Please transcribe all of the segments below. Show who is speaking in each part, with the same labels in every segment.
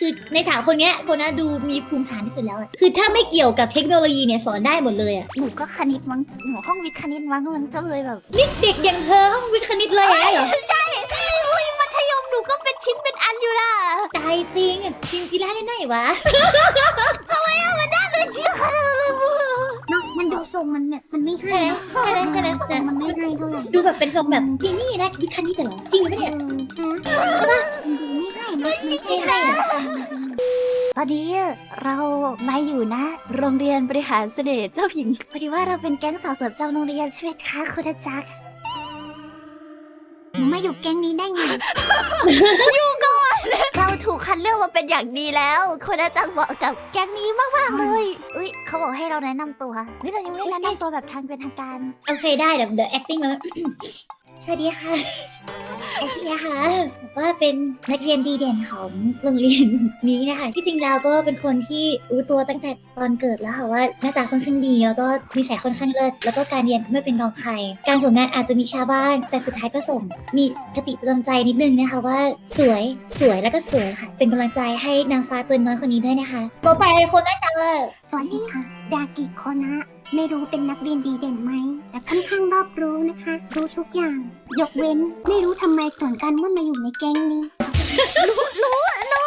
Speaker 1: คือในสามคนเนี้ยคนน่ะดูมีภูมิฐานที่สุดแล้วอะคือถ้าไม่เกี่ยวกับเทคโนโลยีเนี่ยสอนได้หมดเลยอะ
Speaker 2: หนูก็คณิตมั้งหนูห้องวิทย์คณิตมั้งมันก็เลยแบบ
Speaker 1: นี่เด็กอย่างเธอห้องวิทย์คณิตเลยเหรอ
Speaker 2: ใช่อุ้ยมัธยมหนูก็เป็นชิ้นเป็นอันอยู่ล่ะ
Speaker 1: ตายจริงชิงจีร่าได้ไหนวะ
Speaker 2: เลยเชื่อขนาดนั้นเลยมึง
Speaker 3: เนาะมันดูทรงมันเนี่ยมันไม่ให้เนาะ
Speaker 1: แค่นั้นแค่นั้น
Speaker 3: ทรงมันไม่ให้เท่าไหร่
Speaker 1: ดูแบบเป็นทรงแบบพี่นี่นะวิทย์คณิตเหรอจริงไหมเนี่ย
Speaker 3: ใช่ปะมันดูไม่ให้เนาะมันไม่ให้อะ
Speaker 2: ตอนนี้เรามาอยู่นะ โรงเรียนบริหารเสน่ห์เจ้าหญิงพอดีว่าเราเป็นแก๊งสาวเสิร์ฟเจ้าโรงเรียนใช่ไหมคะคุณอาจารย์
Speaker 3: หนูมาอยู่แก๊งนี้ได้ไง
Speaker 2: เราถูกคัดเลือกมาเป็นอย่างดีแล้วคุณอาจารย์เหมาะกับแก๊งนี้มากๆเลยอุ้ยเขาบอกให้เราแนะนำตัวนี่เรายังไม่ได้แนะนำตัวแบบทางเป็นทางการ
Speaker 1: โอเคได้เดี๋ยว acting มา สวัสดีค่ะแอชลีค่ะบอกว่าเป็นนักเรียนดีเด่นของโรงเรียนนี้นะคะที่จริงแล้วก็เป็นคนที่รู้ตัวตั้งแต่ตอนเกิดแล้วค่ะว่าหน้าตาค่อนข้างดีแล้วก็นิสัยค่อนข้างเลิศแล้วก็การเรียนไม่เป็นรองใครการส่งงานอาจจะมีช้าบ้างแต่สุดท้ายก็ส่งมีคติประจำใจนิดนึงนะคะว่าสวยแล้วก็สวยค่ะ เป็นกำลังใจให้นางฟ้าตัวน้อยคนนี้ด้วยนะคะต่อไปคนหน้าตา
Speaker 3: สวัสดีค่ะ ดากิโคนะไม่รู้เป็นนักเรียนดีเด่นไหม แต่ค่อนข้างรอบรู้นะคะ รู้ทุกอย่าง ยกเว้น ไม่รู้ทำไมก่อนกันว่ามาอยู่ในแก๊งนี้ รู้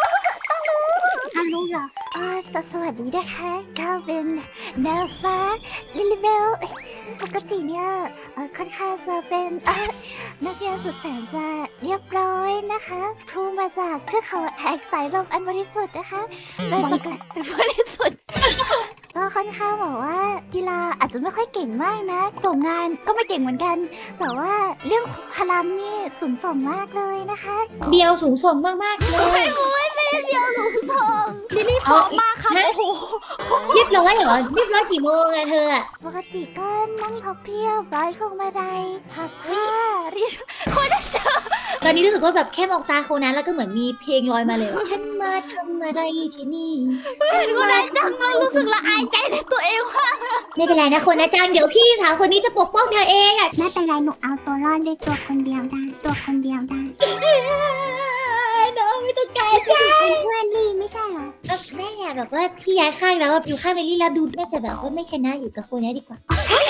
Speaker 3: เหรอ
Speaker 2: สวัสดีนะคะก้าวเป็นนางฟ้าลิลิเบลปกติเนี่ยค่อนข้างจะเป็นนักเรียนสุดแสนจะเรียบร้อยนะคะครูมาจากเทือกเขาแห่งสายลมอันบริสุทธิ์นะคะเป็นบริสุทธิ์ ก็ค่อนข้างบอกว่ากีฬาอาจจะไม่ค่อยเก่งมากนะส่งงานก็ไม่เก่งเหมือนกัน แต่ว่าเรื่องพลังนี่สูงส่งมากเลยนะคะ
Speaker 1: เดียวสูงส่งมากๆเลย
Speaker 2: เดียวสูงส่งลิลี่ซ้อมมากค่ะโอ้โห
Speaker 1: เรียบร้อยเหรอเรียบร้อยกี่โมงอะเธออะ
Speaker 2: ปกติก็นั่งพับเพียบร้อยพวงมาลัยพับผ้ารีดคนได้เจอ
Speaker 1: ตอนนี้รู้สึกว่าแบบแค่มองตาโคนั้นแล้วก็เหมือนมีเพลงลอยมาเลยฉันมาทำอะไรที่นี่
Speaker 2: เห็นคนได้จังเรารู้สึกละอายใจในตัวเองว่า
Speaker 1: ไม่เป็นไรนะคนนะจังเดี๋ยวพี่สาวคนนี้จะปกป้องเธอเองอะ
Speaker 3: ไม่เป็นไรหนูเอาตัวรอดได้ตัวคนเดียวได้ ตัวคนเดียวได้
Speaker 1: น้องไม่ต้องการจ้า
Speaker 3: เป็นเพื่อนลี่ไม่ใช่เหรอ
Speaker 1: แม่อยากแบบว่าพี่ย้ายข้างแล้วอยู่ข้างเมลี่แล้วดูน่าจะแบบว่าไม่ชนะอยู่กับคนนี้ดีกว่า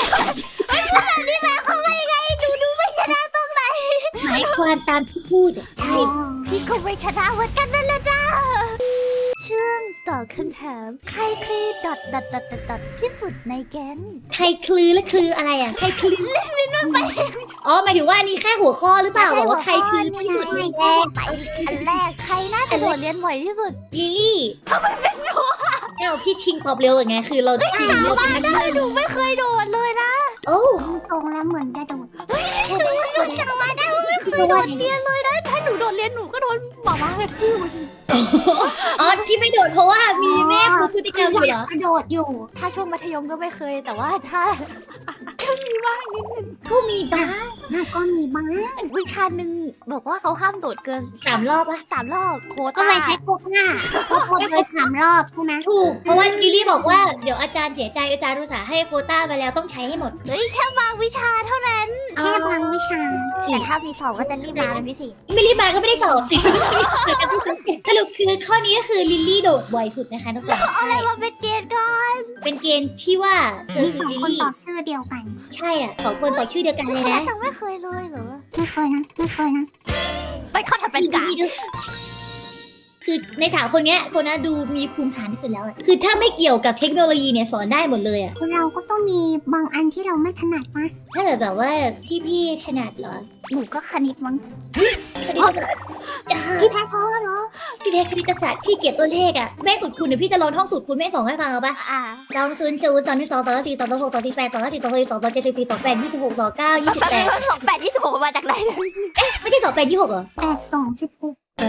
Speaker 2: ดูไม่ชนะตรงไหน
Speaker 1: หมายความตามที่พูดอะใช่
Speaker 2: พี่คงไม่ชนะเหมือนกันนั่นแหละจ้าช่วงตอบคำถามใครคือดอทที่สุดในแก๊ง
Speaker 1: ใครคลือและคลืออะไรอะใครคลืออ๋อหมายถึงว่าอันนี้แค่หัวข้อหรือเปล่าบอกว่าใครคลือที่สุดในแรก
Speaker 2: ไปอันแรกใครน่าจะโดดเรียนบ่อยที่สุด
Speaker 1: ลิลลี่ทำไมเป็นหนูเราพี่ชิงตอบเร็วอย่างไงคือเราชิงเราเป็นนักได้
Speaker 2: หนูไม่เคยโดดเลยนะ
Speaker 1: โอ้
Speaker 3: ดูทรงแล้วเหมือนจะโดด
Speaker 1: ใช่ไหม
Speaker 2: จำมาได้ไม่เคยโดดเรียนเลยนะถ้าหนูโดดเรียนหนูก็โดนหมาม้ากระทืบ
Speaker 1: อ๋อที่ไม่โดดเพราะว่ามีแม่ครูพฤติกรรมอยู่เหรอก
Speaker 3: ระโดดอยู่
Speaker 2: ถ้าช่วงมัธยมก็ไม่เคยแต่ว่าถ้าก็มีบ้างนิดนึง
Speaker 1: ก็มีบ้าง
Speaker 3: น่าก็มีบ้าง
Speaker 2: วิชาหนึ่งบอกว่าเขาห้ามโดดเกิน
Speaker 1: 3 รอบปะ
Speaker 2: 3 รอบโควต้า
Speaker 3: ก็เลยใช้โคกหน้าโคกเลย3 รอบใช่ไหม
Speaker 1: ถูกเพราะว่าลิลลี่บอกว่าเดี๋ยวอาจารย์เสียใจอาจารย์อุตส่าห์ให้โควต้าไปแล้วต้องใช้ให้หมด
Speaker 2: เฮ้ยแค่บางวิชาเท่านั้น
Speaker 3: แค่บางวิชา
Speaker 2: แต่ถ้ามีสอบก็จะรีบมาเป็นพิเศษ
Speaker 1: ไม่รีบมาก็ไม่ได้สอบสิสรุปคือข้อนี้ก็คือลิลลี่โดดบ่อยสุดนะคะทุกคน
Speaker 2: อะไร
Speaker 1: ใช่
Speaker 2: มาเป็นเกณฑ์ก่อน
Speaker 1: เป็นเกณฑ์ที่ว่าเธอ
Speaker 3: มี
Speaker 1: คือ
Speaker 3: 2
Speaker 1: ลิล
Speaker 3: คน
Speaker 1: ลี่
Speaker 3: ตอบชื่อเดียวกัน
Speaker 1: ใช่อ่ะ2 คนต่อชื่อเดียวกันเลยนะ
Speaker 2: จังไม่เคยเลยเหรอ
Speaker 3: ไม่เคยนะ ไม่เคยนะ
Speaker 2: ไปข้อถัดเป็นกา
Speaker 1: คือใน3 คนเนี้ยคนน่ะดูมีภูมิฐานที่สุดแล้วอะคือถ้าไม่เกี่ยวกับเทคโนโลยีเนี่ยสอนได้หมดเลยอะ
Speaker 3: เราก็ต้องมีบางอันที่เราไม่ถนัดนะ
Speaker 1: ถ้าเกิดแบบว่าที่พี่ถนัดเหรอ
Speaker 3: หนูก็คณิตมั้ง
Speaker 1: คณิตศาสตร์จ้า
Speaker 3: พี่แท้ท้อแล้วเหรอ
Speaker 1: พี่เทคคณิตศาสตร์พี่เกลียดตัวเลขอะแม่สูตรคูณเดี๋ยวพี่จะลองท่องสูตรคูณแม่ส่งให้ฟังเอาปะ 2 0 0 2 2 2 4 2 6 2 4 2 5 2 6 2 7 4 2 8 26 29 28
Speaker 2: 28 26มาจากไหนเนี่ย
Speaker 1: ไม่ใช่28 26เหรอ
Speaker 3: 8 2 16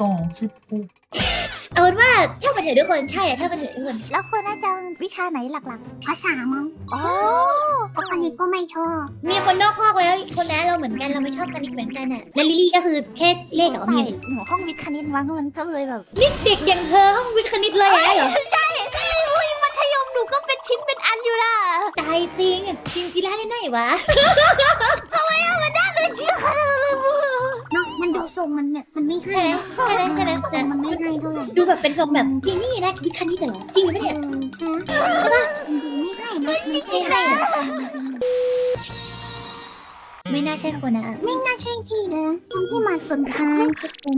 Speaker 1: เอาเป็นว่าช่างมันเถอะทุกคนใช่อะช่างมันเถอะทุกคน
Speaker 2: แล้วคนน่าจะวิชาไหนหลัก
Speaker 3: ภาษามั้ง
Speaker 2: ๆอ๋อ
Speaker 3: เพราะคณิตก็ไม่ชอบ
Speaker 1: มีคนนอกข้อกแล้วคนนั้นเราเหมือนกันเราไม่ชอบคณิตเหมือนกันอะแล้วลิลลี่ก็คือแค่เลขเหรอ
Speaker 2: ใส่
Speaker 1: มี
Speaker 2: หนูห้องวิทย์คณิตมั้งมันก็เลยแบบ
Speaker 1: นี่เด็กอย่างเธอห้องวิทย์คณิตเลยเหรอ
Speaker 2: ใช่อุ้ยมัธยมหนูก็เป็นชิ้นเป็นอันอยู่ล่ะ
Speaker 1: ตายจริงชิงจีร่าได้ไหนวะ
Speaker 2: เลยเชื่อขนาดนั้นเลยมึง
Speaker 3: เนาะมันดูทรงมันเนี่ยมันไม่ให้
Speaker 1: ใช่ไหม
Speaker 3: นะ
Speaker 1: ใช่ไหมใช่ไหม
Speaker 3: มันไม่ให้เท่าไหร่
Speaker 1: ดูแบบเป็นทรงแบบที่นี่นะวิคันนี่เหรอจริงไหมเนี่ย
Speaker 3: ใช่ไหมมันดูไม่ให้นะมันไม่ให้อะ
Speaker 1: ไม่น่าใช่คนนะ
Speaker 3: ไม่น่าใช่พี่นะคนที่มาสุดท้ายจะเป็น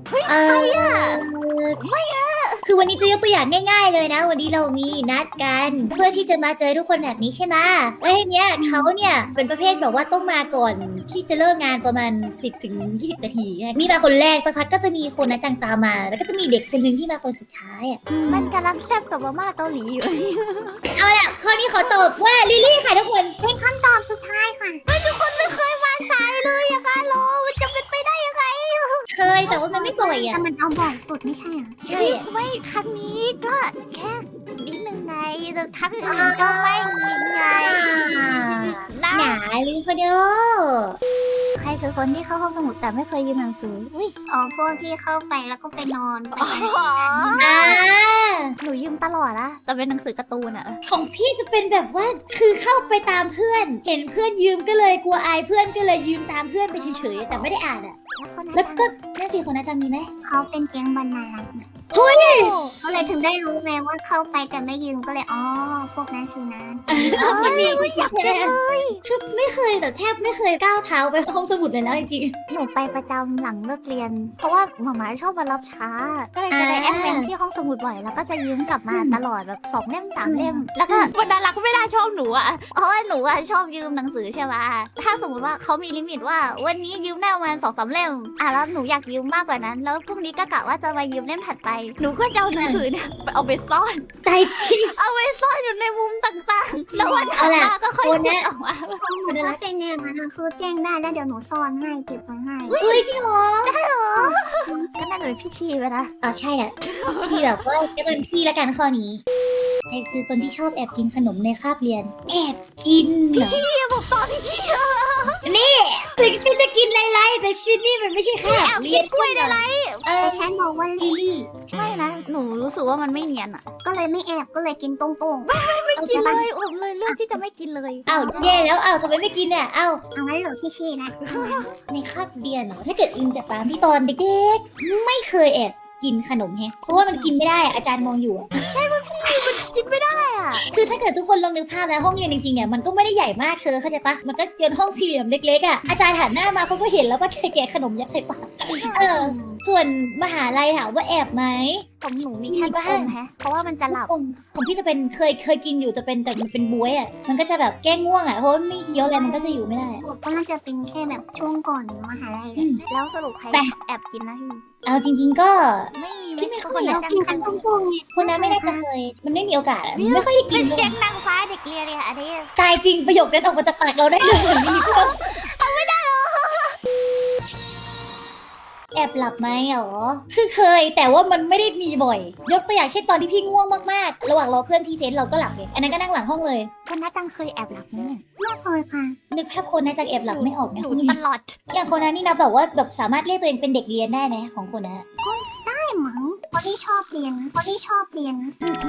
Speaker 1: คือวันนี้จะยกตัวอย่างง่าย ๆ เลยนะ วันนี้เรามีนัดกันเพื่อที่จะมาเจอทุกคนแบบนี้ใช่ไหมแล้วทีเนี้ยเขาเนี่ยเป็นประเภทแบบว่าต้องมาก่อนที่จะเลิกงานประมาณ 10 ถึง 20 นาทีนี่มาคนแรกสักพักก็จะมีคนนัดจังตามมา แล้วก็จะมีเด็กคนหนึ่งที่มาคนสุดท้ายอ่ะ
Speaker 2: มันกำลังแซ่บกับมาม่าเกาหลีอยู่
Speaker 1: เอาล่ะข้อนี้ขอตอบว่าลิลลี่ค่ะทุกคน
Speaker 3: เป็นคำตอบสุดท้ายค่ะ
Speaker 2: ทุกคนไม่เคยมาสายเลยอะกาโลมันจะเป็นไปได้ยังไง
Speaker 1: เคยแต่ว่ามันไม่บ่อย
Speaker 3: แต่
Speaker 1: อ่ะ
Speaker 3: มันเอาบ่อยสุดไม่ใช่เหรอ
Speaker 1: ใช่อะ
Speaker 2: ไม่ครั้งนี้ก็แค่นิดนึงไงแต่ทั้งอื่นก็ไม่มีไงนะ
Speaker 1: หนาลิลคนเดียว
Speaker 2: ใครคือคนที่เข้าห้องสมุดแต่ไม่เคยยืมหนังสืออุ้ย
Speaker 3: อ๋อพวกที่เข้าไปแล้วก็ไปนอนไปอะไร
Speaker 1: อ่า
Speaker 2: หนูยืมตลอดละแต่เป็นหนังสือการ์ตูนอะ
Speaker 1: ของพี่จะเป็นแบบว่าคือเข้าไปตามเพื่อน เห็นเพื่อนยืมก็เลยกลัวอายเพื่อนก็เลยยืมตามเพื่อนไปเฉยๆแต่ไม่ได้อ่านอ่ะ แล้วก็นั่นสิคนนั้นจำมีไหม
Speaker 3: เขาเป็นแก๊งบรรณารักษ์นะ
Speaker 1: เฮ้ย
Speaker 3: เขาเลยถึงได้รู้ไงว่าเข้าไปแต่ไม่ยืมก็เลยอ๋อพวกนั้นสินะ
Speaker 1: มันมีอยากเลยคือไม่เคยแต่แทบไม่เคยก้าวเท้าไปห้องสมุดเลยแล้วจริง
Speaker 2: หนูไปประจำหลังเลิกเรียน เพราะว่าหมาม่าชอบมารับช้า ก็เลยจะได้แอบเป็นที่ห้องสมุดบ่อยแล้วก็จะยืมกลับมาตลอดแบบ2 เล่ม 3 เล่ม แล้วก็บรรดารักษ์ไม่ได้ชอบหนูอะเพราะว่าหนูอะชอบยืมหนังสือใช่ไหมถ้าสมมติว่าเขามีลิมิตว่าวันนี้ยืมได้ประมาณ2-3 เล่มแล้วหนูอยากยืมมากกว่านั้น แล้วพรุ่งนี้ก็กะว่าจะมายืมเล่มถัดไปหนูก็จะเอาหนังสือเนี่ยไปเอาไปซ่อน
Speaker 1: ๆใจจริง
Speaker 2: เอาไว้ซ่อนอยู่ในมุมต่างๆ แล้ววันถัดมาก็ค่อยขุดออกมา
Speaker 3: ถ้าเป็นอย่างนั้นอะคือแจ้งได้แล้วเดี๋ยวหนูซ่อนให้เก็บไว้ให้
Speaker 1: เฮ้ยพี่หรอ
Speaker 2: ก็น่าจะเป็นพี่ชีไปนะ
Speaker 1: อ๋อใช่อ่ะพี่แบบว่าจะเป็นพี่ละกันข้อนี้ใครคือคนที่ชอบแอบกินขนมในคาบเรียน แอบกินเหรอ
Speaker 2: พี่บอกต่อพี่ชี
Speaker 1: ถึงจะกินไรๆแต่ชิ้นนี่มันไม่ใช่แค่บเรียน
Speaker 2: กล้วยในไร
Speaker 3: แต่ฉันบอกว่า
Speaker 1: ลิลลี่
Speaker 2: ไม่นะ หนูรู้สึกว่ามันไม่เนียนอะ
Speaker 3: ก็เลยไม่แอบก็เลยกินตรงๆ
Speaker 2: ไม่กินเลยอดเลยเลือกที่จะไม่กินเลย
Speaker 1: อ้าวแย่แล้วอ้าวทำไมไม่กินเนี่ยอ้าว
Speaker 3: เอางั้นเหรอพี่ชีนะ
Speaker 1: ในคาบเรียนเหรอถ้าเกิดอิงจากตามที่ตอนเด็กๆไม่เคยแอบกินขนมแฮะเพราะว่ามันกินไม่ได้อะอาจารย์มองอยู่อะ
Speaker 2: กินไม่ได้อะ
Speaker 1: คือถ้าเกิดทุกคนลองนึกภาพแล้วห้องเรียนจริงๆเนี่ยมันก็ไม่ได้ใหญ่มากเธอเข้าใจปะมันก็เป็นห้องสี่เหลี่ยมเล็กๆอ่ะอาจารย์หันหน้ามาเขาก็เห็นแล้วก็แกะขนมยัดใส่ปากส่วนมหาลัยถามว่าแอบไหม
Speaker 2: ของหนูมีแค่ลูกอมแฮะ เพราะว่ามันจะหลับ
Speaker 1: ของพี่จะเป็นเคยกินอยู่แต่มันเป็นบ๊วยอ่ะมันก็จะแบบแก้ง่วงอ่ะเพราะว่าไม่เคี้ยวอะไรมันก็จะอยู่ไม่ได้
Speaker 3: ก็น่าจะเป็นแค่แบบช่วงก่อนมหาลัยแหละ
Speaker 2: แล้วสรุปใคร
Speaker 1: ไป
Speaker 2: แอบกินนะพี่
Speaker 1: เอาจริงๆก็
Speaker 2: ไม่มี
Speaker 1: พี่ไม่เคย
Speaker 2: น
Speaker 3: เรา
Speaker 2: จัง
Speaker 3: กิน
Speaker 2: กั
Speaker 3: กัน นตรงๆไง
Speaker 1: คนนั้นไม่น่าจะเคยมันไม่มีโอกาสอะมันไม่ค่อยได้กิ
Speaker 2: เป็น น
Speaker 1: เลย
Speaker 2: แก๊งนางฟ้าเด็กเรียนเนี่ยอันนี้
Speaker 1: ตายจริงประโยคนั้นออกมาจากปากเราได้เลยเหมือนมีเพื่อนแอบหลับไหมหรอคือเคยแต่ว่ามันไม่ได้มีบ่อย ยกตัวอย่างเช่นตอนที่พี่ง่วงมากๆ ระหว่างรอเพื่อนพรีเซนต์เราก็หลับเลยอันนั้นก็นั่งหลังห้องเลย
Speaker 2: คนนัดตังเคยแอบหลับไหมเนี่ย
Speaker 3: ไม่เคยค่ะ
Speaker 1: นึกภาพคนน่าจะแอบหลับไม่ออกใน
Speaker 2: หนู
Speaker 1: ห้องเรี
Speaker 2: ต
Speaker 1: ยน
Speaker 2: ลอด
Speaker 1: อย่างคนนั้นนี่นะแบบว่าแบบสามารถเรียกตัวเองเป็นเด็กเรียนได้ไหมของคนนั้น
Speaker 3: ได้มั้งคนที่ชอบเรียนคนที่ชอบเรียน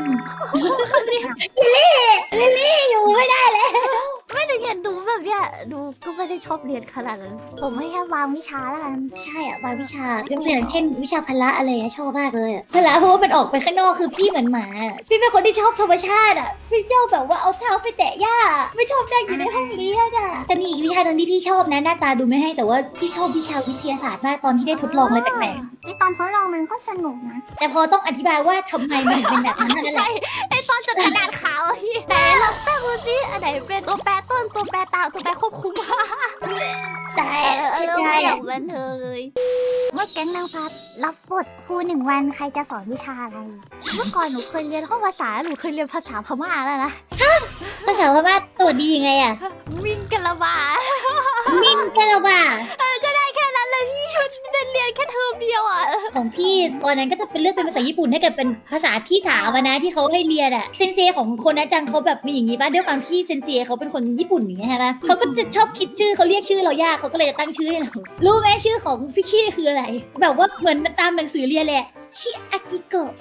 Speaker 1: อยู่ไม่ได้เลย
Speaker 2: ไม่ได้เรียนดูแบบเนี้ยดูก็ไม่ได้ชอบเรียนขนาดนั้นผมให้แค่วางวิชาแล้วกัน
Speaker 1: ใช่อะบางวิชายกตัวอย่างเช่น วิชาพละอะไรอะชอบมากเลยอะพละเพราะว่ามันออกไปข้างนอกคือพี่เหมือนหมาอะพี่เป็นคนที่ชอบธรรมชาติอะพี่ชอบแบบว่าเอาเท้าไปแตะหญ้าไม่ชอบนั่งอยู่ในห้องเรียนอะแต่มีอีกวิชาหนึงที่พี่ชอบนะหน้าตาดูไม่ให้แต่ว่าพี่ชอบวิชาวิทยาศาสตร์มากตอนที่ได้ทดลองอะไรแปลก
Speaker 3: ไอตอนทดลองมันก็สนุกนะ
Speaker 1: ๆแต่พอต้องอธิบายว่าทำไมมันถึงเป็นแบบนั้นเท่านั่นแห
Speaker 2: ใช่
Speaker 1: ละ
Speaker 2: ไอตอนจดกระดาษขาวอะพี่ไหนลองตั้งดูสิอันไหนเป็นตัวแปรต้นตัวแปรตามตัวแปรควบคุม
Speaker 1: แต่
Speaker 2: เออ
Speaker 1: ใช่
Speaker 2: ไม่อ
Speaker 1: อะ
Speaker 2: ยากบันเทิงเลยเมื่อแก๊งนางฟ้ารับบทครู1 วันใครจะสอนวิชาอะไร เมื่อก่อนหนูเคยเรียนห้องภาษาหนูเคยเรียนภาษาพม่าแล้วนะ
Speaker 1: ภาษาพม่าตัวดียังไงอะ
Speaker 2: วิ่งกะละบา
Speaker 1: มิ่งกะละบ่า
Speaker 2: ก็ได้แค่นั้นเลยพี่มันได้เรียนแค่เทอมเดียวอ่ะ
Speaker 1: ของพี่ตอนนั้นก็จะเป็นเลือกเป็นภาษาญี่ปุ่นให้กับเป็นภาษาพี่สาวอะนะที่เขาให้เรียนอะเซนเซของคนนะจังเขาแบบมีอย่างนี้ป่ะด้วยความที่เซนเซเขาเป็นคนญี่ปุ่นอย่างเงี้ยใช่ปะเขาก็จะชอบคิดชื่อเขาเรียกชื่อเรายากเขาก็เลยจะตั้งชื่อให้เรารู้ไหมชื่อของพี่ชี่คืออะไร แบบว่าเหมือนตามหนังสือเรียนแหละชิอากิโกะ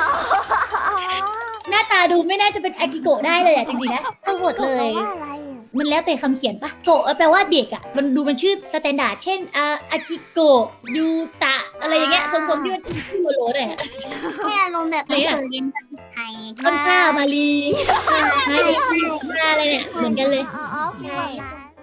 Speaker 1: หน้าตาดูไม่น่าจะเป็นอากิโกะได้เลยอะจริงๆนะทั้งหมดเลย
Speaker 2: ว่าอะไรอะ
Speaker 1: มันแล้วแต่คำเขียนปะโกะแปลว่าเด็กอ่ะมันดูมันชื่อสแตนดาร์ดเช่นอากิโกะยูตะอะไรอย่างเงี้ยทรงๆที่มันชื่อโลหน่อยอะ
Speaker 3: ให้อารมณ์แบบหนังสือเรียนภาษาไทย
Speaker 1: ต้นกล้ามาลีมาลีมาอะไรเนี่ยเหมือนกันเลย
Speaker 2: อ๋อฟีลแบบนั้น